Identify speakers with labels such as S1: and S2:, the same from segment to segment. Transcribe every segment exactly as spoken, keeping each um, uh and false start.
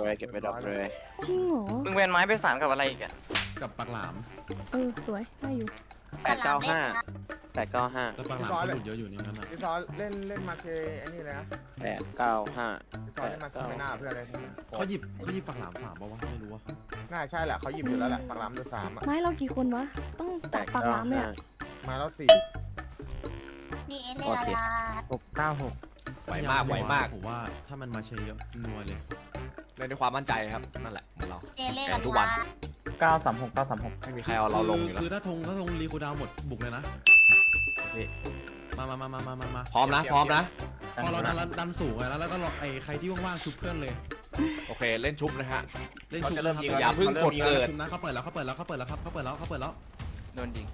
S1: เลยเก็บไปดรอปเลย
S2: จริงเหรอ
S3: มึงแวนไม้ไปสามกับอะไรอีกอ่ะ
S4: กับปากหลาม
S2: เออสวยได้อยู่
S1: แปดเก้าห้าแปดเก้าห้า
S4: แล้วปากหลามก็หลุดเยอะอยู่ในนั้นอ่ะ
S5: พี่ซอเล่นเล่นมาเคไอ้นี่เลยนะ
S1: แปดเก้าห้า
S5: พี่ซอเล่นมาเคไม่น่าเพื่อนเลย
S4: เขาหยิบเขาหยิบปากหลามสามป่าวะไม่รู้ว่า
S5: น่าใช่แหละเขาหยิบอยู่แล้วแหละปากหลามดูสามอ่ะ
S2: ไม้เรากี่คนวะต้อง
S1: แป
S2: จับ
S1: ด
S2: ปาก
S1: เก้า
S2: หลามเลย
S1: ห้า
S2: อะ
S5: มาแล้วสี่
S6: นี่เอเล่ละ
S7: หกเก้าหก
S8: ไหวมากไหวมาก
S4: ผมว่าถ้ามันมาเชยเยอะนัวเลย
S8: เล่นด้วยความมั่นใจครับนั่นแหละของเรา
S6: เอเล่
S8: แข่
S6: ละ
S8: งทุกวัน
S7: เก้าสามหกเก้าสามหก
S8: ไม่มีใครเอาเราลงอยู่แล้ว
S4: คือถ้าธงถ้าธงรีคูดาวหมดบุกเลยนะมามามามามามามา
S8: พร้อมนะพร้อมนะ
S4: พอเราดันดันสูงแล้วแล้วก็ไอ้ใครที่ว่างๆชุบเพื่อนเลย
S8: โอเคเล่นชุบนะฮะ
S4: เล่นชุบ
S8: เขาจะเริ่มยิงอย่าเพิ่งกดเกิด
S4: ชุบนะเขาเปิดแล้วเขาเปิดแล้วเขาเปิดแล้วครับเขาเปิดแล้วเขาเปิดแล้ว
S3: โดนยิง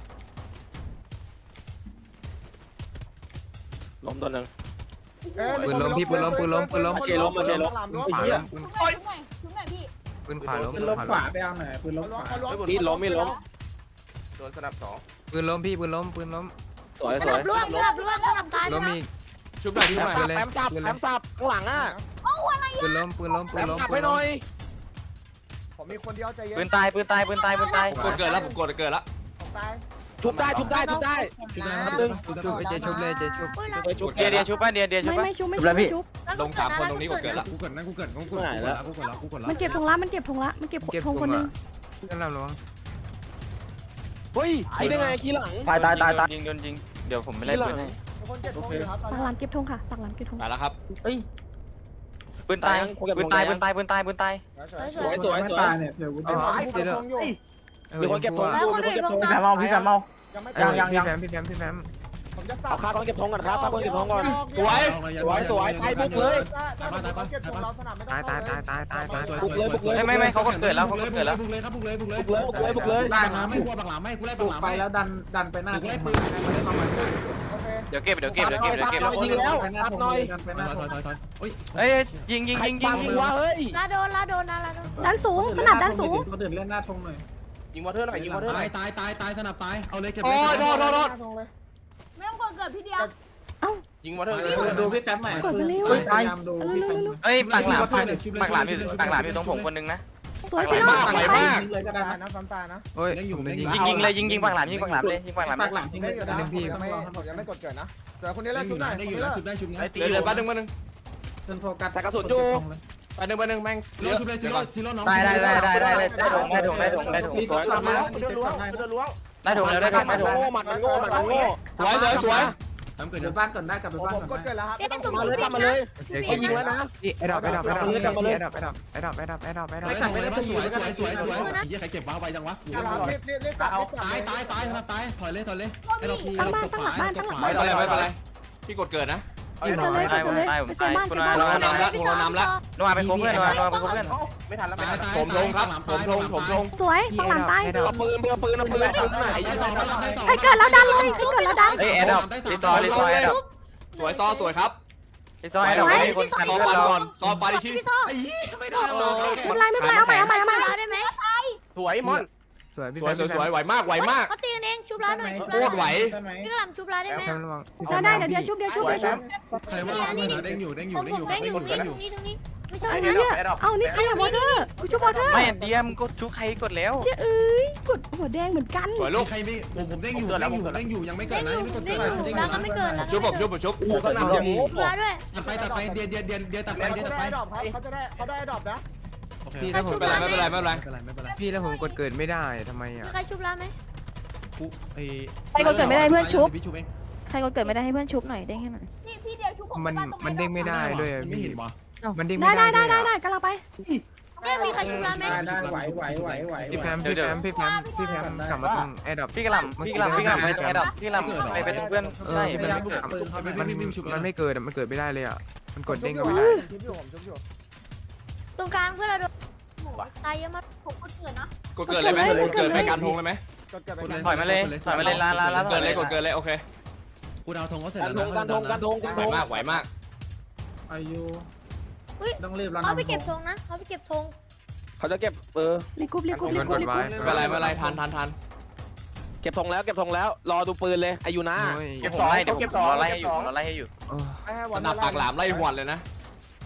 S1: ล้มตัวหนึ่ง
S7: ปืนล้มพี่ปืนล้มปืนล้มปืนล้ม
S1: มาเชยร์ล้มมาเชยร์ล้ม
S7: ขวาล้มปืน
S6: ชุบหน่อยชุบหน่อยพี่
S7: ปืนขวาล้ม
S9: ปื
S7: ปื
S9: น
S7: น
S9: ลบ
S7: ขวา
S9: ข
S7: ล้
S9: วาม ไปเอาหน่อยปืนลบขวา
S1: มีดล้มมีดล้ม
S5: โดนสนับสอง
S7: ปืนล้มพี่ปืนล้มปืนล้ม
S1: สวย
S6: ส
S1: สว
S6: นั
S1: ย
S6: บล่วงสนับล่วงสนับตาย
S7: ล้มอีก
S8: ชุบหน่อยชุบหน่อย
S7: ปืนเลย
S1: แอมสับแอมสับข้างหลังอ่ะ
S7: ปืนล้มปืนล้มปื
S1: แอน ม
S7: ล้ม
S1: สับ
S7: ปื
S1: ให้
S7: น
S1: ห
S7: ล้
S1: น่
S7: ม
S1: อย
S5: ผมมีคนเดียวใจเย็น
S3: ปืนตายปืนตายปืนตายปืนตาย
S8: กดเกิดแล้วผมกดเกิดแล้ว
S5: ผมตาย
S1: ชุบได้ชุบได้ชุบได้
S4: ชุบได้
S1: ครั
S4: นะ
S1: บตึ้ง
S7: ชุบไปเจชุบเลยเจชุบ
S6: อุ้ยเรา
S1: เฮ้ยชุบ
S3: เดียเดียชุบป่ะเดียเดียชุบ
S2: ไม่
S3: ป่ะ
S2: ไม่ชุบไม่ชุบไม่ชุบ
S8: ลงสามคนตรงนี้กดเกิดแล้ว
S4: กูเกิดนะกูเกิดกูเกิดกูเกิดแล้วกูเกิดแล้วกูเกิดแล้ว
S2: มันเก็บธงละมันเก็บธงละมันเก็บ
S7: เก็บ
S2: ธงคนหนึง
S7: นั่นแหละระวัง
S1: เฮ้ยคิดได้ไงขี้หลัง
S7: ตายตายตายตาย
S3: ยิงโดนยิงเดี๋ยวผมไปไล่ปืนให้
S5: มีคนเจ็บท้องอยู่ครับ
S2: ปากหลามเก็บธงค่ะปากหลามเก็บธง
S8: ไปแล้วครับ
S7: เอ้ย
S3: ปืนตายปืนตายปืนตายปืนตายปืนตาย
S5: สวย
S1: สวยสวย
S9: ไม่
S1: สวย
S9: ตายเนี่ยเดี๋ยวกู
S2: อ๋
S9: จะ
S2: อ
S5: ท้องอยู่
S1: มีคนเก็บธง
S6: แล้ว
S1: อยู่
S6: คน
S1: มีคน
S6: อื่น
S1: เก็บ
S6: ล
S1: ธ
S6: ง
S1: ง
S6: ตา
S9: พี่แฟมเอาพี่แฟมเอา
S5: ยังไม่
S7: ยัง
S5: ตาย
S7: ยังพี่แฟมพี่แฟมพี่แฟม
S5: ผมจะ
S1: เอาค่าคนเก็บธงก่อนครับค่าคนเก็บธงก่อน
S8: สวย
S1: สวยสวยไปบุกเลย
S5: เก็บของเราสนามไม่
S7: ตายตายตายตายตายตาย
S1: บุกเลยบุกเลย
S3: ไม่ไม่ไม่เขากดเกิดแล้วเขากดเกิดแล้ว
S4: บุกเลยครับบุกเลยบุกเลย
S1: บุกเลยบุกเลยบุกเลย
S4: ปากหลามไม่กลัวปากหลามไม่กูไล่ปา
S9: บุ
S4: ก
S9: ก
S4: หลาม
S9: ไป
S4: ไม่
S9: แล้วดันดันไปหน้า
S4: บุกไล่ปืน
S5: โอเค
S3: เดี๋ยวเก็บเดี๋ยวเก็บเดี๋ยวเก็บเดี๋ยวเก็บ
S1: ยิงแล้ว
S9: ไปหน้า
S1: ตับ
S9: ธง
S1: หน่อย
S9: ดันไปห
S4: ถ
S9: น้า
S4: อย
S9: ธ
S4: ถอง ยถอยถอยเฮ้ย
S3: เอ้ยยิงยิงยิงยิ
S1: ปั
S3: ง
S1: ง
S3: ยิง
S1: หัวเฮ้ย
S6: ลาโดนลาโดนนะลาโดน
S2: ด้านสูงสนับด้านสูง
S9: คนอื่นเล่นหน้าธงหน่อย
S5: ยิงวอเตอร์หน่อยยิงวอเตอร์หน่
S4: ตา
S5: อย ย
S4: ตายตายตายสนับตายเอาเลยเก็บเล
S8: โอ้
S4: ย
S8: ยโดนโดนโดน
S5: ธงเลย
S6: ไม่ต้องกดเกิดพี่เดียว
S5: ยิงวอเตอร์
S9: ดูพี่แฟมหน่อย
S2: เปิดไปเร็ว
S9: พยายามดูพี่แฟม
S3: เอ้ยปากหลามปากหลามอยู่ปากหลามอยู่ตรงผมคนนึงนะ
S2: สวย
S3: ไหว
S2: พี่
S3: มาก
S2: น้อง
S8: ไหวมาก
S9: เลยก็ได้
S5: ตายนะซ้ำตายนะ
S7: เฮ้ย
S4: ยังอยู่
S7: ผม
S4: ยัง
S7: ยิ
S4: อง ยู่
S3: ยิงยิงเลยยิงยิงปากหลามยิงปากหลามเลยยิงปากหลาม
S9: ปากหลังทิ้งเลยก็ได้
S5: ผมยังไม่ผมยังไม่กดเกิดนะแต่คนนี้
S4: ได้
S5: เล่น
S4: อ
S5: ชุ
S4: ยู่
S5: ดไหน
S4: นะได้อยู่นะชุบได้ชุบนะ
S8: เดี๋ยวเดี๋ยวแป๊บนึงแป๊บนึง
S9: จนโฟกัส
S8: แป๊บนึงแป๊บนึงแม่ง
S4: ซีโร่ชุบเลยซีโร่ซีโร่น้อง
S3: ได้ได้ได้ได้ได้ได้ได้ถงได้ถงได้ถงได้ถง
S9: รี
S1: สวย
S9: กลั
S1: ตา
S9: บ
S1: ม
S9: มา
S1: มา
S9: จะล้วงจะล้วง
S3: ได้ถงแล้วได้ถงได้ถง
S1: โง่หมัดมันโง่หมัดมันโง่
S8: สวยสวยสวย
S4: ทำเกิด
S9: เดี๋
S4: ยั
S9: ยว
S4: ง
S9: บ้านก่อนได้กลับไป
S5: ผม
S9: บ้าน
S5: ผม
S9: ก่
S5: ก
S9: อน
S5: ดเกิดแล้วครับ
S6: เอ๊ะแต่จุ่ม
S1: มาเลย
S6: พี่
S1: ทำมาเลย
S6: พี่
S1: เขายิงแล้วนะ
S7: นี่ไอ้ดอกไอ้ดอกไอ้ดอกไอ้ดอกไอ้ดอกไอ้ดอกไอ้ดอกไอ้ดอกไอ้ดอกไอ้ดอก
S4: สวยสวยสวยสวยสวยสวยยี่ใครเก็บว้าไปจังวะ
S5: รีบรีบรีบตัด
S4: ตายตายตายสนับตายถอยเลยถอยเลยไอ้เราพี
S2: ตั้ง
S4: เรา
S2: บ้าน
S4: ตก
S2: ตั้ง
S4: ข
S2: หลั
S4: วาง
S2: บ้าน
S4: ต
S2: ตั้งหลังบ้าน
S4: กขวา
S8: ไม่เป็นไรไม่เป็นไรพี่กดเกิดนะ
S2: เกิดเลย
S3: ตาย
S2: เกิ
S3: ผ
S2: ด
S3: ม
S2: เลย
S3: ตายผม
S2: ไป
S3: ตาย
S2: เซบ้าน
S3: คุณ
S2: เซ
S3: อา
S2: บ้าน
S3: โนอา
S8: โนนำละ
S3: โนอาไปคบเพื่อนโนอาโนอาไปคบเพื่อน
S5: ไม่ทันแล้ว
S4: ตายตาย
S8: ผมลงครับผมลงผมลง
S2: สวยปากหลามตาย
S1: เอาปืนเอาปืนเอาปืนปืนไหน
S4: ได้สองได้สอง
S2: ไอ้เกิดแล้วดันเลยไอ้เกิดแล้วดัน
S3: เอ้ยแอดดับรีซอร์รีซอร์แอดดับ
S8: สวยซอสวยครับ
S3: รีซอร์แอดดับไม่มีคน
S8: ซ
S3: ทัน
S8: อ
S3: เรา
S8: ฟันก่อนซอฟันอีกที
S6: พี่ซ่อ
S4: ไอ้ยี่ไม่ได้หรอก
S2: ไม่เป็นไรไม่เป็นไรเอาใหม่เอาใหม่เอาใหม่
S6: ชุบร้านได้ไหม
S5: สวยมอน
S7: สวยพี่
S8: ส
S7: แฟ
S8: วย
S7: ม
S8: สวยสวยไหวมากไหวมาก
S6: เขาตีกันเองชุบร้านหน่อยชุบ
S8: โค
S6: ร้าน
S8: ตรไหว
S9: ได้ไหม
S6: พี่กระหล่ำชุบร้านได้ไหม
S7: แฟมระวัง
S2: ได้ได้เดี๋ยวเดี๋ยวชุบเดี๋ยวชุบเดี๋ยวชุบ
S4: ใครว่าเด้งอยู่เด้งอ
S6: ผ
S4: ยู่
S6: ม
S4: เด้ง
S6: ผ
S4: อ
S6: ม
S4: ยู่
S6: ได้อยู่นี่ตรงนี้ตรงนี้ไม่ใช่
S2: ไอ้
S6: ไม่
S2: เนี่
S6: ใช่
S2: ยเอานี่ใครอะวอเตอร์กูชุบวอเตอร์
S3: ไม่เดียมก็ชุบใครกดแล้ว
S2: เจ้าเอ้ยกดหัวแดงเหมือนกัน
S8: สวยลูก
S4: ใครไม่ผมผมเด้งอยู่เด้งอยู่เด้งอยู่ยังไม่เกิ
S6: ได้
S4: ด
S6: อ
S4: นะ
S6: ยู่
S4: ยังไม่กด
S6: ได้
S4: เกิด
S6: อยู่ร้านก็ไม่เกินแล้ว
S8: ชุบผมชุบผมชุบ
S1: โอ้สนับอย่างงู
S6: ชุบร้านด้วย
S4: ตัดไปตัดไปเดียเดียเดียเดียตัดไป
S5: เขา
S4: เดียตัด
S5: ได้
S4: ไป
S5: ดอกครับเขาจะได้เขาได้ดอกนะ
S4: โอเค
S7: พี่
S4: ไม่
S7: แล้วผม
S8: ไม่เป็นไรไม่เป็นไรไม่เป็นไร
S4: เป็นไรไม่เป็นไร
S7: พี่แล้วผมกดเกิดไม่ได้ทำไม
S6: มี
S7: อ่ะ
S6: ใครชุบร้านไหม
S4: ปุ๊ไอ้
S10: ใครกดเกิดไม่ได้เพื่อนชุบ
S4: พี่ชุบเอง
S10: ใครก็เกิดไม่ได้ให้เพื่อนชุบหน่อยเด้งให้หน่อย
S6: พี่พี่เดียวชุบผม
S7: มันมันเด้งไม่ได้ด้วย
S4: ไม่
S7: พี่
S4: เห็นวะ
S7: มันเด้ง
S2: ได้
S7: ไม่
S2: ได้
S7: ได้
S2: ได้
S7: ด้วย
S2: ได้ได้กำลังไป
S6: เอ๊ะมีใครชุบร้านไหม
S9: ได้ได้ไหวไหวไหวไหว
S7: พี่แฟมพี่แฟมพี่แฟมพี่แฟมกลับมาตรงแอร์ดรอป
S3: พี่กระหล่ำพี่กระหล่ำพี่กระหล่ำไปตรงแอดดับพี่กระหล่ำไปไปตรงเพื่อน
S7: เออ
S3: ใช่
S7: มันไม่
S4: ปืนเขาไม่
S7: มัน
S4: ไม่ไม่ชุบ
S7: มันไม่เกิดอะมันเกิดไม่ได้เลยอ่ะมันกดเด้งก็
S5: ผม
S7: ไม่ได้
S5: ชุบอยู่ผมชุบอยู่
S6: ตรงกลางเพื่อนเราโดนตายเยอะมากผมก็เกิดนะ
S8: กดเกิดเลยไหมกดเกิดไม่การทงเลยไหม
S5: กดเกิดไป
S3: ถอยมาเลยถอยมาเลยลาลาลาก
S8: ดเกิดเลยกดเกิดเลยโอเค
S4: กูดาวธงก็เสร็จ
S1: การ
S4: แล้ว
S1: ท
S4: นะ
S1: งการทงการทงการ
S8: ไหว
S1: ทง
S8: มากไหวมาก
S9: อายุต้องรีบแล้ว
S6: เขาไปเก็บธงนะเขาไปเก็บธง
S1: เขาจะเก็บเออ
S2: รีกรุ๊ปรีกรุ๊ป
S7: มี
S2: รี
S7: คน
S2: ก
S7: ก
S2: รุ๊ป
S7: ดไว้
S8: ไม่เป็นไรไม่เป็นไรทันทันทัน
S1: เก็บธงแล้วเก็บธงแล้วรอดูปืนเลยอายุนา
S3: เดี๋ยวผมไล่เดี๋ยวผมรอไล่ให้อยู่รอไล่ให้อยู่
S7: โอ้
S5: ให้
S8: สนับปากหลามไล่หวดเลยนะ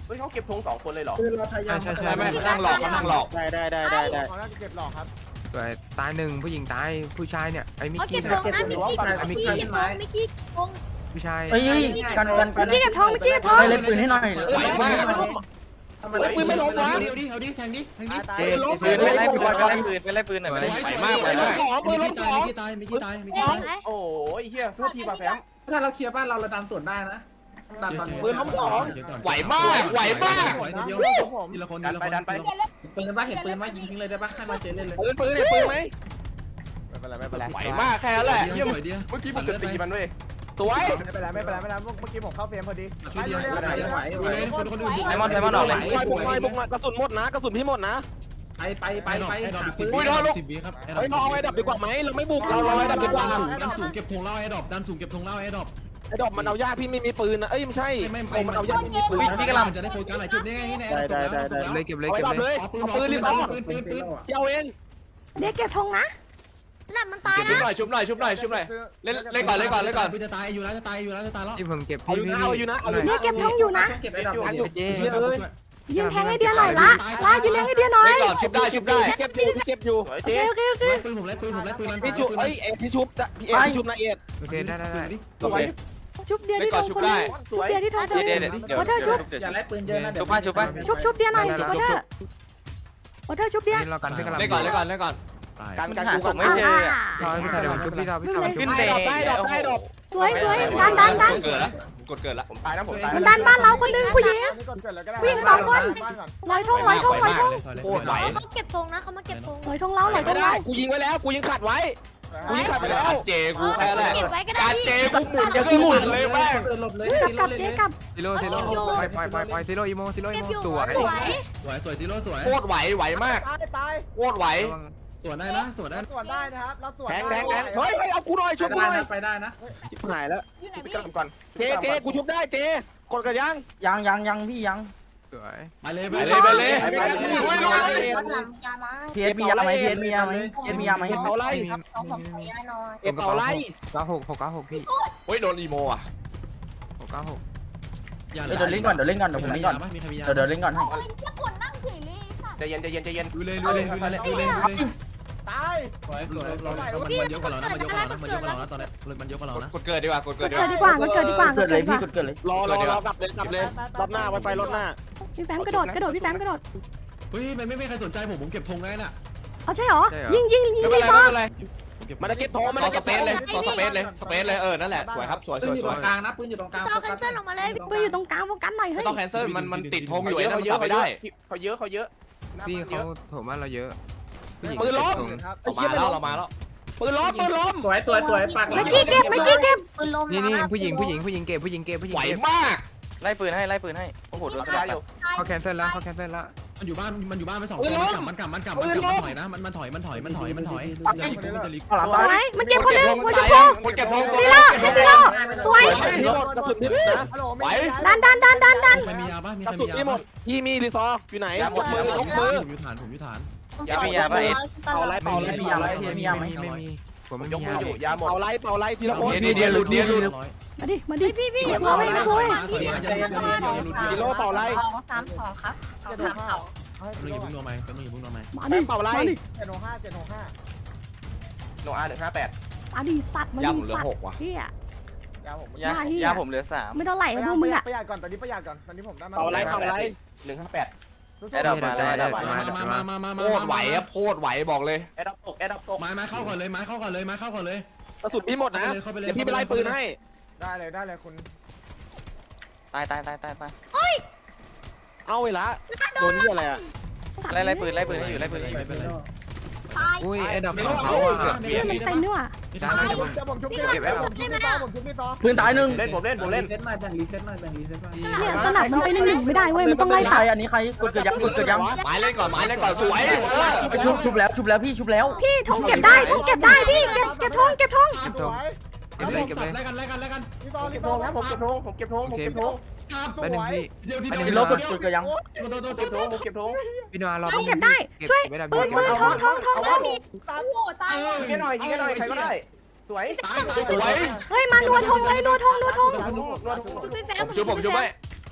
S5: ฮ้ยเขาเก็บธงสองคนเลยเหรอ
S9: ปืนเราทะยาน
S4: ใช่ใช่
S8: ไม่ไม่นั่งหลอกเขานั่งหลอก
S1: ได้ได้ได้ได้ได้
S5: เขาน่าจะเก็บหลอกครับ
S7: ตายหนึ่งผู้หญิงตายผู้ชายเนี่ยไอ้มิก
S6: เขาเก็
S7: กี้
S6: บธงนะมิกกี้มิกกี้เก็บธงมิกกี้ธง
S7: ผู้ชาย
S9: เอ้ยกันกันกัน
S2: เมื่อกี้เก็บทองเมื่อกี้เก็บทอง
S9: เล่นปืนให้หน่อย
S1: เอ้ยไม่ไม่ไม่
S5: ทำไม
S1: ปืนไม่ลงวะ
S4: เอาดิเอาดิเอาดิแทงดิแทงดิ
S5: ตาย
S7: เจ๊
S3: ปืนไปไล่ปืนไปไล่ปืนไปไล่ปืนหน่อย
S8: ไหวมากไหวมาก
S1: ของปืนล
S4: มิ
S1: ง
S4: ก
S1: ข
S4: ตาย
S1: อง
S4: มิกตายมิกตายมิก
S6: เอ๊
S4: ตาย
S6: ะ
S5: โอ้ยเฮียโทษทีป่ะแฟม
S9: ถ้าเราเคลียร์บ้านเราเราดันสวนได้นะดันตอนนี้
S8: ไหวมากไหวมาก
S4: ไหวทีเดียวทีละคนทีละคน
S5: ดันไป
S9: ปืนบ้าเห็นปืนไหมยิงทิ้งเลยได้ปะให้มาเชนเล่นเลย
S1: ปืนปืนเนี่ยปืนไหม
S5: ไม่เป็นไรไม่เป็นไร
S8: ไหวมากแค่นั้นแหละ
S4: เยี่ยมสวยดี
S5: เมื่อกี้ผมจะตีมันเว้ย
S1: สวย
S5: ไม่เป็นไรไม่เป็นไรไม่เป็นไรเมื่อกี้ผมเข้าเฟรมพอดี
S4: ทีเดียวดูเลยคนคนอื่นบุก
S1: บุกหน่อยบุกหน่อยบุกหน่อยกระสุนหมดนะกระสุนพี่หมดนะ
S9: ไปไปไป
S4: ไป
S9: ไป
S4: ไปดรอปอีกสิบ
S9: ปื
S4: วิ
S9: น
S4: สิบวิครับ
S1: เฮ้ยเราเอาไอ้ดับดีกว่าไหมเราไม่บุกเราเราไอ้ดับดีกว่า
S4: สูงดันสูงเก็บธงเล่าไอ้ดรอปดันสูงเก็บธงเล่าไอ้ดรอป
S1: ไอ้ดอกมันเอายากพี่ไม่มีปืนนะเอ้ยไม่ใช่
S4: ไม่ไม่
S1: โอ้มันเอายากไม่มีปืน
S4: พี่กำลังจะได้โฟกัสหลายจุดนี่ไงนี่ไง
S7: เลยเก็บเลย
S1: เอาไอ้
S7: เก็บ
S1: ดับ
S7: เล
S1: เลย ย
S4: ปืน
S1: เอาปืนรีบเอา
S4: ปืนปืนปืน
S1: พี่เอาเอง
S2: เด็กเก็บทองนะ
S6: นั่นมันตาย
S8: ชุบ
S6: นะ
S8: หน่อยชุบหน่อยชุบหน่อยชุบหน่อยเล่นเล่นก่อนเล่นก่อนเล่นก่อน
S4: ปืนจะตายอยู่แล้วจะตายอยู่แล้วจะตายแล้ว
S7: ที่ผมเก็บ
S1: เอา
S7: พี่
S1: อยู่
S7: พี่
S1: นะเอาอยู่นะเอาอยู่
S2: เด็กเก็บทองอยู่นะ
S9: เก็บไอ้ดอก
S1: อยู่
S7: เจ๊
S2: ยิงแทงให้เดียหน่อยละละยิงแทงให้เดียหน่อย
S8: เล่นก่อนชุบได้ชุบได้
S1: เก็บอยู่เก็บอยู่
S5: สวย
S2: โอ
S5: เจ๊
S2: เคโอเคโอเค
S4: ปืนผมไล่ปืนผมไล่ปืน
S1: พี่ชุบเอ้ยเอ็ดพี่ชุบพี่เอ็ดพี่ชุบนะเอ็ด
S7: โอเคได้ได้ได้
S1: สวย
S2: ชุบเดีย
S8: เล่น
S2: ที่ท
S8: ก่อ
S2: อน ง
S8: ชุบ
S2: คน
S8: ได้
S5: สวย
S2: เดียที่ทอง
S3: เดี๋ยวเดี๋ยวเดี๋ยวเดี๋ยว
S9: อย่าไล่ปืนเยอะนะ
S3: ชุบป้าชุบป้า
S2: ชุบชุบเดียหน่อยวอเตอร์วอเตอร์ชุบเดีย
S7: นี่เรากันพี่กำลัง
S8: เล่นก่อนเล่นก่อนเล่นก่อน
S1: การ
S3: มัน
S1: การ
S3: หา
S1: กู
S3: ศ
S1: กั
S3: พ
S1: น
S3: ไม่เจออ่ะ
S7: ทอยพี่ชายเดี๋ยวผมชุบพี่ทอยพี่ทอย
S3: ขึ้น
S1: ได้
S3: เบร
S1: ดอกได้ดอกได้ดอก
S2: สวยสวยดันดันดัน
S8: เกิดแล้วกดเกิดแล้ว
S5: ผมตายนะผมตาย
S2: มันดันบ้านเราคนนึงผู้หญิง
S5: วิ่งสองคน
S2: ลอยทองลอยทองลอยทอง
S8: โคตรไหว
S6: เขาเก็บธงนะเขามาเก็บธง
S2: ลอยทองเราลอยท
S1: ไม่
S2: อง
S1: ได้
S2: เรา
S1: กูยิงไว้แล้วกูยิงขัดไว้กูยิงขัดไปแล้ว
S8: การเจกูแค่แหละ
S6: เก็บไว้ก็ได้
S8: การ
S6: พี่
S8: เจกูหมุนจะขึ้นหมุนเลยแม่ง
S9: หลบเลย
S2: กลับกลับเจ๊กลับ
S7: ซิโร่ซิโร่ไปไปไปไปซิโร่อีโมซิโร่
S6: เก็
S7: อี
S6: บ
S7: โม
S6: อยู่
S7: สวย
S6: สวย
S4: สวยสวยซีโร่สวย
S8: โคตรไหวไหวมาก
S5: ตายตาย
S8: โคตรไหว
S4: สวนได้นะสวนได้
S5: สวนได้นะครับเราสวน
S1: แทงแทงแทงเฮ้ยเอากูหน่อยชุบกู
S9: ได้
S1: หน่อย
S9: นะไปได้นะ
S1: ชิบหายแล้ว
S6: อยู่ไหน
S5: ไป
S6: พี่
S5: กลับก่อน
S1: เจเจกูชุบได้เจกดกระยัง
S9: ยังยังยังพี่ยัง
S7: สวย
S4: ไปเลย
S8: ไปเลยไปเลย
S1: ไปเลย
S8: โอ้ย
S1: ไป
S8: ลง
S1: เลย
S6: ยามา
S9: เพียมียาไหมเพียมียาไหมเพียมียาไหม
S1: เอ็ดเป่าไล่
S6: เขาผมขอยาหน่อย
S1: เอ็ดเป่าไล่
S7: เก้าหกหกเก้าหกพี่
S8: โอ้ยโดนอีโมอ่ะ
S7: หกเก้าหก
S4: อย่า
S9: เดี๋ยวเล่นก่อนเดี๋ยวเล่นก่อนเดี๋ยวผมเล่นก่อน
S4: มีใครมียา
S9: เดี๋ยวเดี๋ยวเล่นก่อนให้
S6: โอ้ยแค่ปวดนั่งเฉยเลยค่ะ
S5: ใจเย็นใจเย็นใจเย็น
S4: ดูเลยดูเลยดูเลยดูเลยดูเลย
S5: ตาย
S4: เราเรามันเยอะกว่าเรานะมันเยอะกว่าเรานะมันเยอะกว่าเรานะตอนนี้มันเยอะกว่าเรานะ
S8: กดเกิดดีกว่ากด
S2: เกิ
S8: เกิด
S2: ด
S8: ดีกว่า
S2: ดีกว่าเกิดดีกว่า
S9: เกิดเลย
S2: ดีก
S9: พี่
S2: ว่า
S9: กดเกิดเลย
S1: รอรอรอกลับเลยกลับเลยรอบหน้าไวไฟรอบหน้า
S2: พี่แฟมกระโดดกระโดดพี่แฟมกระโดด
S4: เฮ้ยมันไม่มีใครสนใจผมผมเก็บธงได้น่ะ
S2: เอาใช่เหรอยิงยิงยิง
S8: ไม่เป็น
S2: ยิ
S8: ไรง ไม่เป็นไร
S1: มันจะเก็บทองมัน
S8: ต่อ
S1: จะ
S8: ส
S1: เก็บ
S8: เป
S1: ทอง
S8: ซเลยต่อสเปซเลยสเปซเลยเออนั่นแหละสวยครับสวยส
S9: ปืน
S8: วย
S9: อยู่
S8: ส
S9: ต
S8: ว
S9: ร
S8: ย
S9: งกลางนะปืนอยู่ตรงกลาง
S6: ซอแคนเซิลลงมาเลย
S2: ปืนอยู่ตรงกลางโฟกัสหน่อย
S8: ไม่
S2: เฮ้ย
S8: ต้องแคนเซิลมันมันติดธงอยู่
S5: เย
S8: ไอ้
S5: อะ
S8: นั่น
S5: เขา
S8: มัน
S5: เยอะ
S8: สับ
S5: เขา
S8: ไม่
S5: เย
S8: ได้
S5: อะเขาเยอะเขาเยอะ
S7: พี่เขาโถมบ้านเราเยอะผู้หญิง
S1: ปืนล้ม
S8: เรามาแล้วเรามาแล้ว
S1: ปืนล้มปืนล้ม
S9: สวยสวยสวยปาก
S2: เมื่อกี้เก็บเมื่อกี้เก็บ
S6: ปืนลม
S7: นี่นี่ผู้หญิงผู้หญิงผู้หญิงเก็บผู้หญิงเก็บผู้หญิง
S8: ไหว
S7: เก็บ
S8: มาก
S3: ไล่ปืนให้ไล่ปืนให้โอ้โหโดน
S5: ได้อยู่
S7: เขาแคนเซิลแล้วเขาแคนเซิลแล้ว
S4: มันอยู่บ้านมันอยู่บ้านไปสองคนมันกลับมันกลับมันกลับมันกลับมันถอยนะมันมันถอยมันถอยมันถอยมันถอยจะลิกจะลิก
S9: หลัง
S2: ส
S9: ตาย
S2: วยมันเก็บคนนึงหัวชม
S8: ตาย
S2: พู
S8: คนเก็บธง
S2: ซีโร่ซีโร่สวย
S1: พี่หมดกระสุนพี่นะ
S2: ดันดันดันดันดัน
S4: ใครมียาป่ะมี
S1: ก
S4: ใคร
S1: ระสุ
S4: มี
S1: น
S4: ยา
S1: พี่หมดพี่มีรีซออยู่ไหนหมดมือลงมือ
S4: ผมอยู่ฐานผมอยู่ฐาน
S8: ยามียาป่ะเอ็ด
S1: เป่าไล่เป่าไล่
S9: มียาไหมเพียมียาไหม
S7: ไม่มีผมไม่
S5: ย
S7: มี
S5: กมื
S7: ยา
S5: ออยู่ยาหมด
S1: เป่าไล่เป่าไล่ทีละคน
S8: เดียวเดียวหลุดเดียวหลุด
S2: มาดิมาดิ
S6: พี่พี่อย่า
S2: โอ้ยไม่โวย
S1: กิโลเป่าไล่
S6: สามสองครับสามเขา
S4: มึงอย่าเพิ่งนัวไหมมึงอย่าเพิ่งนัวไหม
S2: มา
S1: แม่
S2: ดิ
S1: เป่าไล่
S5: เจ็ดหกห้าเจ็ดหกห้าโนอาหนึ่งห้าแปด
S2: มาดิสัตว์มา
S8: ย่า
S2: ดิ
S8: ผมเหลือ
S2: สัต
S8: ห
S2: ว์
S8: กว่ะ
S2: เฮีย
S5: ยาผม
S3: ยายาผมเหลือสาม
S2: ไม่เท่าไหร่
S5: ประ
S2: พวกมึงอะ
S5: หยัดก่อนตอนนี้ประหยัดก่อนตอนนี้ผมได้มา
S1: เป่าไล่เป่าไล่
S5: หนึ่งห้าแปด
S3: แอดดอปมาแล้วแอดดอปมา
S4: มามามามามา
S8: โคตรไหวอะโคตรไหวบอกเลย
S5: แอดดับตกแอดดับตก
S4: ไม้ไม้เข้าก่อนเลยไม้เข้าก่อนเลยไม้เข้าก่อนเลย
S1: กระสุนพี่หมดนะเดี๋ยวพี่ไปไล่ปืนให้
S5: ได้เลยได้เลยคุณ
S3: ตายตายตายตายตาย
S1: เอาเวลาโดนนี่อะไรอ่ะ
S3: ไล่ไล่ปืนไล่ปืนให้อยู่ไล่ปืนให้อยู่
S2: ตาย
S7: อุ้ยไอ้ดอก
S1: ไม่
S7: ของ
S1: รู้
S7: เขาอ่ะ
S2: เฮียมันเต็มด้วยว่ะ
S5: ผมชุบผมชุบพี่ผมชุบพี่ซอผมชุบพี่ซอ
S9: ปืนตายหนึ่ง
S5: เล่นผมเล่นผมเล่น
S9: เซตหน่อยแบ่งรีเซ็ตหน่อยแบ่งรีเซ็ตหน่อย
S2: เนี่ยสนับมันไปหนึ่งหนึ่งไม่ได้เว้ยมันต้องไล่
S9: ใค
S2: ตั
S9: ร
S2: ด
S9: อันนี้ใครกดเกิดยังกดเกิดยัง
S8: ไม้เล่นก่อนไม้เล่นก่อนสวย
S9: ไปชุบชุบแล้วชุบแล้วพี่ชุบแล้ว
S2: พี่ทงเก็บได้ทงเก็บได้พี่เก็บเก็บทงเก็บทง
S5: สวย
S7: เก็บเลยเก็บเลย
S4: ไล่กันไล่กันไล่กัน
S5: พี่ซอพี่ซอนะผมเก็บธงผมเก็บธงผมเก็บธง
S7: ไปหนึ่งพี่
S4: เดี๋ยวที่
S9: พี่ลบกดกดเกิดยัง
S4: โดนโดน
S5: เก็บธงผมเก็บธง
S7: พี่นัวรอ
S2: ทงเก็บได้ช่วย
S7: ไม่ได้
S2: ปืน
S7: เก็บ
S2: ปืน
S7: ไม่
S2: ท
S7: ได้
S2: งทงทงทง
S5: ตาย
S6: โอ้ตาย
S5: ยิงให้หน่อยยิงให้หน่อยใครก็ได้สวย
S4: ตายตาย
S8: สวย
S2: เฮ้ยมานัวทงเลยนัวทงนัวทง
S5: นวดนวด
S6: ชุบพี่แฟ
S8: ผมชุบผมชุบไว้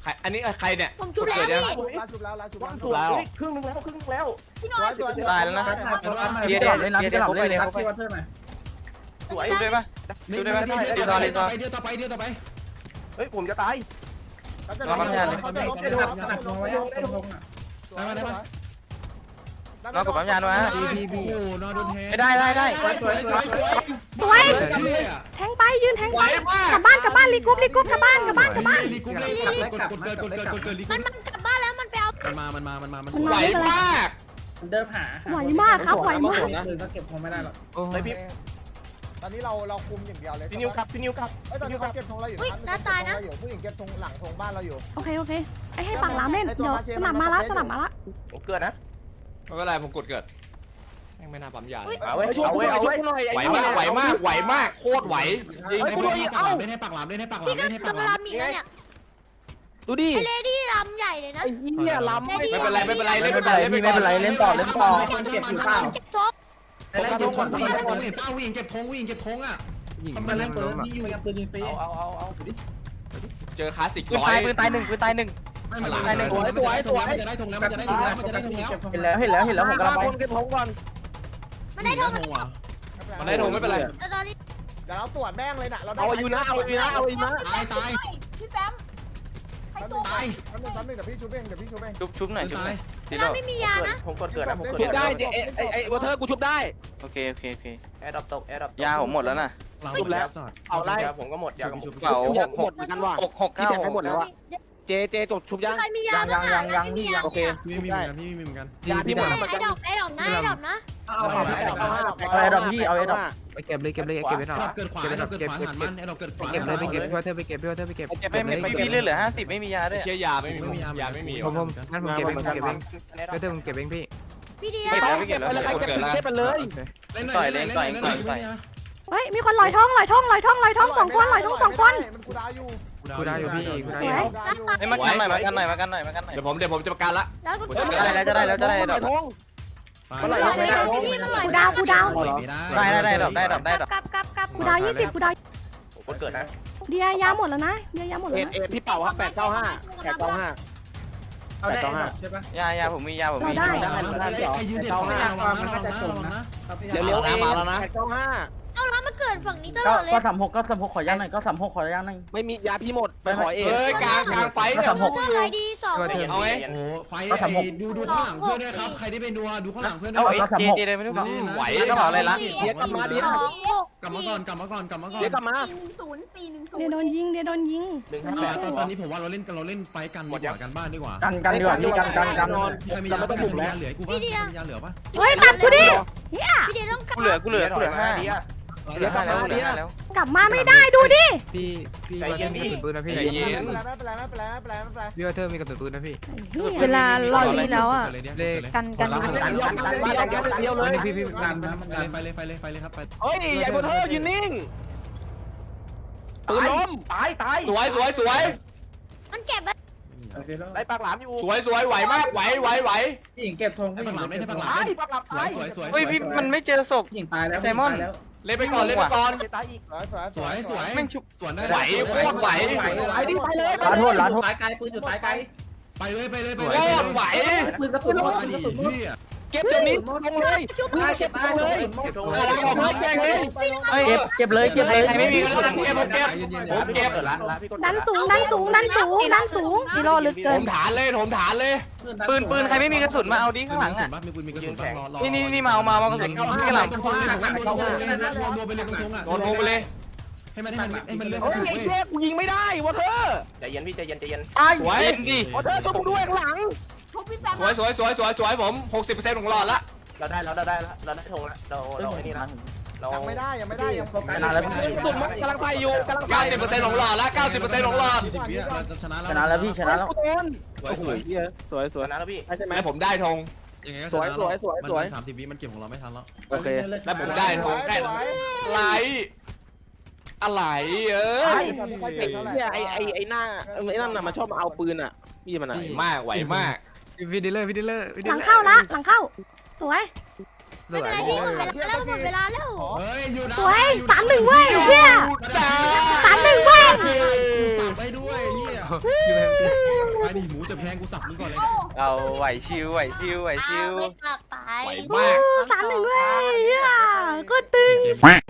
S8: รอันนี้ใครเนี่ย
S6: ผมชุบแล้วพี่
S5: ลาชุบแล้วลาชุบแล้วชุบแล้วครึ่งนึงแล้วครึ่งนึงแล้ว
S6: พี่น้อย
S3: ตายแล้วนะ
S9: เดี๋ยวเล่นน้ำจะหลับเล่นเลยครับพี่วัดเพิ่มหน่อย
S3: สวยด้วยปะ
S4: เดี๋ยวต่อไปเดี๋ยวต่อไปเดี๋ยวต่อไปเดี๋ยวต่อไป
S5: เฮ้ยผมจะตาย
S4: ได้ไหมได้ไหม
S3: น้องกดปั๊มยาด้วยฮะ
S4: พี่พี่โอ้นอนโดนแทง
S3: ได้ได้ได้
S4: สวยสวยสวย
S2: สวยแทงไปยืนแทงไปกลับบ้านกลับบ้านรีกรุ๊ปรีกรุ๊ปกลับบ้านกลับบ้านกลับบ้าน
S4: ลีกุ๊กกดกดเกิดกดเกิดกดเกิดลีกุ๊
S6: มันมันกลับบ้านแล้วมันไปเอา
S4: มันมามันมามันมามัน
S2: มัน
S8: ไหว
S2: มาไม่เป็นไร
S8: มาก
S9: เดิมหา
S2: ไหวมากครับไหวมาก
S9: ปืนก็เก็บคงไม่ได้หรอก
S5: เฮ้ยพี่ตอนนี้เราเราคุมอย่างเดียวเลยพี่นิวครับพี่นิวครับเฮ้ยตอนนี้เขาเก็บธงเราอยู่ผู้หญิงเก็บธงหลังธงบ้านเราอยู่
S2: โอเคโอเคไอ้ให้ปากหลามเล่นเดี๋ยวสนามมาละสนามมาละ
S5: ผมเกิดนะ
S8: ไม่เป็นไรผมกดเกิดแม่งไม่น่าปั๊มยาเลย
S5: เอาไว้เอาไว้เอาไว้หน่อย
S8: ไหวมากไหวมากไหวมากโคตรไหวจริง
S4: ไอ้พวกนี้ปากหลามเล่นให้ปากหลามเล่นให้ปากหลา
S6: พี่
S4: ม
S6: ก็
S4: เล่นให้ปากห
S6: กำ
S4: ลา
S6: ลั
S4: ม
S6: งมีแล้วเนี่ย
S1: ดูดิ
S6: ไอเลดี้ลำใหญ่เลยนะ
S1: ไอ้เหี้ยล้ำ
S6: เลดี้
S8: ไม่เป็นไรไม่เป็นไร
S9: ไม่
S8: เล่น
S9: เป็
S8: ไป
S9: นไร
S8: ก่อนเล่นไป
S9: พี่ไม่
S8: ก่อน
S9: เป็นไรเล่นต่อเล่นต่อ
S4: คนเก็บอยู่ข้าว
S6: เก็บท็อป
S4: ไอ้เก็บธงวิ่งเก็บธงเห็นป้าวิ่งเก็บธงวิ่งเก็บธงอ่ะ
S9: ยิง
S4: ทำไม
S9: มัน
S4: เล่
S9: เล่
S4: น
S9: น
S4: ปื
S9: ปื
S4: น
S9: น
S4: ที่อยู่
S9: ปืนยิงฟรี
S5: เอาเอาเอา
S8: เจอคลาสสิก
S3: ปืน
S8: ร้อ
S3: ตาย ยปืนตายหนึ่งปืนตายหนึ่ง
S4: ไม่มันได้ธงแล้วมันจะได้ธงแล้วมันจะได้ธงแล้วมันจะได้ธงแล้วมันจะได้ธงแล้ว
S9: เห็นแล้วเห็นแล้วเห็นแล้วผมกำลังไป
S1: คนเก็บทองก่อน
S6: มันได้ทง
S4: ว่ะ
S8: มันได้ธงไม่เป็นไร
S6: แล้วตอนนี้
S5: เดี๋ยวเราตรวจแม่งเลยนะเรา
S1: เอาอยู่นะเอาอยู่นะเอาอยู่นะ
S4: ตายตาย
S6: พี่แฟมใครตัว
S4: ตาย
S5: แป๊บนึงแป๊บนึงเดี๋ยวพี่ชุบเองเดี๋ยวพี่ชุบเอง
S3: ชุบชุบหน่อยชุบหน่อย
S6: เราไม่มียานะ
S5: ผมกดเกิดนะผมกด
S1: ชุบได้ไอ้ไอ้ไอ้วอเทอร์กูชุบได้
S3: โอเคโอเคโอเค
S5: แอร์ดับตกแอร์ดับ
S3: ยาผมหมดแล้วนะ
S4: เราหมดแล้ว
S1: เอาไล่
S5: ยาผมก็หมดยาผม
S3: เก่าหกหก
S1: เหมือนกันว่ะ
S3: หกหก
S1: พี่
S3: เก้า
S1: แบ่งให้หมดแล้วอะเจเจจบชุบยัง
S6: ใครมียาบ้างอ่ะไม่มียา
S1: โอเค
S4: พี่มีเหมือนกันพี่มีเหมือนกัน
S1: ยาพี่หมด
S6: ไอ้
S1: แล้วเหมือนกัน
S6: ดอกไอ้ดอกนะไอ้ดอกนะ
S9: เอาเอาไอ้ดอกพี่เอาไอ้ดอก
S7: ไปเก็บเลยเก็บเลยเก็บไว้หน่อย
S4: เราเกิดขวาเราเกิดขวาหันมันเราเกิดขวา
S7: เก็บเลยไปเก็บพี่ว่าเธอไปเก็บพี่ว่าเธอไปเก็บ
S3: ไม่ไม่ไม่พี่เลือดเหลือห้าสิบไม่มียาด้วย
S8: เชียยาไม่มียาไม่มี
S7: ผมผมงั้นผมเก็บเองผมเก็บเองพี่เธอผมเก็บเองพี่
S6: พี่เดีย
S3: เก็บแล้วไม่เก็บแล้ว
S1: แล้วใครเก็บถึงเก็บไปเลย
S4: เล่นหน่อยเล่นหน่อยเล่นหน่อย
S2: เฮ้ยมีคนลอยท้องลอยท้องลอยท้องลอยท้องสองคนลอยท้องสองคน
S5: มันกูดาวอยู่
S7: กูได้อยู่พี่กูได้
S2: ส
S7: อ
S2: วย
S7: ยู่
S3: ไอ้มากันหน่อยมากันหน่อยมากันหน่อยมากันหน่อย
S8: เดี๋ยวผมเดี๋ยวผมจะประกันละ
S6: แล้วกู
S3: ได้แล้วจะได้แล้วจะได้ดอก
S6: พี่มันลอย
S2: กูดาวกูดาว
S3: ได้ได้ได้ดอกได้ดอกได้ดอก
S6: กลับกลับกลับ
S2: กูดาวยี่สิบกูดาว
S5: ผมกดเกิดนะ
S2: เดียยาหมดแล้วนะเดียยาหมด
S1: เอ็
S2: แล้ว
S1: ด
S2: นะ
S1: เอ็ดพี่เป่าครับแปดเก้าห้าแปดเก้าห้า
S9: เอาได้ใช่ปะ
S3: ยายาผมมียาผมมี
S4: ใครยืนเด็ดขาระวังนะระวังนะระวังนะ
S1: เดี๋ยวเลี้ยวเองแปดเก้าห้า
S6: เอาแล้วมาเกิดฝั่งนี้ตล
S9: ก็
S6: อดเลย
S9: ก็สามหกก็สามหกขอย่างหน่อยก็สามหกขอย่างหน่อย
S1: ไม่มียาพี่หมดไปขอเอง
S8: เฮ้ยกลางกลางไฟเนี่ย
S6: เจอใครดีสอง
S8: เอาไง
S4: โอ้ไฟดูดูข้างหลังเพื่อนด้วยครับใครที่ไปดูดูข้างหลังเพื่อนด้
S3: เอา
S4: วย
S3: ไอ้เจเจเลยไม่รู้
S8: ไหว
S3: กระเป๋าอะไรละ
S1: เดี๋ยวกลับมาเดี๋ยว
S6: สองหก
S4: กลับมาก่อนกลับมาก่อนกลับมาก่อน
S1: เดี๋ยวกลับมา
S6: หนึ่งศูนย์สี่หนึ่งศูน
S2: เดีย
S6: ย์
S2: โดนยิงเดียโดนยิง
S5: หนึ่งห้าแปด
S4: ตอนตอนนี้ผมว่าเราเล่นกันเราเล่นไฟกันดีกว่ากันบ้านดีกว่า
S9: กันกันดีกว่าพี่กันกันกัน
S4: ใครมียาบ้างมียาเหลือกูบ้างมียาเหลือปะ
S2: เฮ้ยตัดกูดิเฮีย
S6: พี่เดียต้องกลับ
S3: กูเหลือกูเหลือกูเหลือห้าเหลือห้าแล้วเหลือห้าแล้ว
S2: กลับมาไม่ได้ดูดิ
S7: พี่พี่ว่าเธอมีกระสุนปืนนะพี่
S5: ไม่เป็นไรไม่เป็นไรไม่เป็นไรไม่เป็นไร
S7: พี่ว่าเธอมีกระสุนปืนนะพี่
S10: เวลารอรีแล้วอ่ะ
S4: เลข
S10: กันกัน
S1: กันกันกันเดียวเลย
S7: พี่พี่
S9: กันนะมันกัน
S4: ไฟเลยไฟเลยไฟเลยครับไฟ
S1: เฮ้ยใหญ่วอเทอร์ยืนนิ่งปืนล้ม
S5: ตายตาย
S8: สวยสวยสวย
S6: มันเก็บไว้
S5: ไล่ปากหลามอยู่
S8: สวยสวยไหวมากไหวไหวไหว
S9: พี่หญิงเก็บธง
S4: ให้
S9: พี่ห
S4: ปั
S9: ญิ
S4: ก
S9: ง
S4: หลาม
S9: เก็
S4: เล่น
S9: บ
S4: ให้
S9: ธ
S4: ปั
S9: ง
S4: กหลาม
S5: ปากหลามตาย
S4: สวยสวย
S3: เฮ้ยพี่มันไม่เจอศพ
S9: พี่หญิงตายแล้ว
S8: เล่นไปก่อนเล่นไปก่อน
S5: ตายอีกสวยสวย
S4: สวยสวย
S3: แม่งชุบ
S4: สวนได้
S1: ไปดิไปเลย
S9: ล้านโทษล้านโทษตายไกลปืนอยู่ตายไกล
S4: ไปเลยไปเลยไป
S8: โค
S4: เลย
S8: ตรไหว
S9: ปืนกระสุนหมด
S4: อดีพี่
S1: เก็บตรงนี้ลงเลย
S6: ชุบ
S9: ตายเก็บตายเลย
S5: เก็บธง
S8: อะไรของมึงแกงนี่
S3: เฮ้ย
S9: เก็บเก็บเลยเก็บเลย
S8: ใครไม่มีกระสุนเก็บผมเก็บผมเก็บ
S5: ล้านล้านพี่กด
S2: ดันสูงดันสูงดันสูงดันสูง
S10: กิโลลึก
S8: ผ
S10: เกิน
S8: มฐานเลยผมฐานเลย
S3: ปืนปืนใครไม่มีกระสุนมาเอาดิข้างหลังอ่ะ
S4: มีปืนมีกระสุนบ้างรอรอ
S3: นี่นี่นี่มาเอามาเอากระสุนข้างหลัง
S4: ตรงๆเลยผมว่าโดนไปเลยตรงๆอ่ะ
S8: โดนลงไปเลย
S4: ให้มันให้มันให้มันเลื่อน
S1: เฮ้ยไอ้เจ๊กูยิงไม่ได้วอเทอร์
S5: ใจเย็นพี่ใจเย็นใจเย็น
S8: สวย
S3: เล่นดิ
S1: วอเทอร์ช่วยกูด้วยข้างหลัง
S6: ชุบพี่แฟม
S8: สวยสวยสวยสวยสวยผมหกสิบเปอร์เซ็นต์ของหลอดละ
S5: เราได้เราได้แล้วเราได้ธงแล้วเราเราไอ้นี่นะเรา
S9: ยังไม่ได้ยังไม่ได้ยังโฟกัส
S3: ชนะแล้วพี่
S1: สุดมันกำลังไปอยู่กำลังไป
S8: เก้าสิบเปอร์เซ็นต์ของหลอดละเก้าสิบเปอร์เซ็นต์ของหลอด
S4: สี่สิบวิเราจะชนะแล้ว
S9: ชนะแล้วพี่ชนะแล้ว
S1: โดน
S4: สวยสวย
S1: สวยสวย
S5: นะแล้วพี่
S1: ใช่ไหม
S8: แล้วผมได้ธง
S4: ยังไงก็ชนะมันสามสิบวิมันเก็บของเราไม่ทันแล้ว
S1: โอเค
S8: แล้วผมได้ธงได้อะไรอะไรเอ้ย
S1: ไอ้เนี่ยไอ้ไอ้ไอ้หน้าไอ้นั่นน่ะมันชอบมาเอาปืนอ่ะพี่มันไหน
S8: ไหวมากไหวมาก
S7: พี่ดีเลอร์พี่ดีเลอร์พี่ดี
S2: หลั
S7: เล
S2: ง
S7: อร์
S2: เข้าละหลังเข้าสวย
S7: ส
S6: ไม่
S7: วย
S6: เป็นไรพี่หมดเวลาแล้วหมดเวลาแล้ว
S4: เฮ้ยอยู่
S2: สวยสามหนึ่งเว้ยเฮีย
S8: จ้า
S2: สามหนึ่งเว้ย
S4: สั่งไปด้วยเฮียไปดิหมูจะแพงกูสับมึงก่อนเลย
S3: เอาไหวชิวไหวชิวไหวชิว
S6: ไม่กลับไป
S8: ไหวมาก
S2: สามหนึ่งด้วยอ่ะก็ตึง
S4: เกม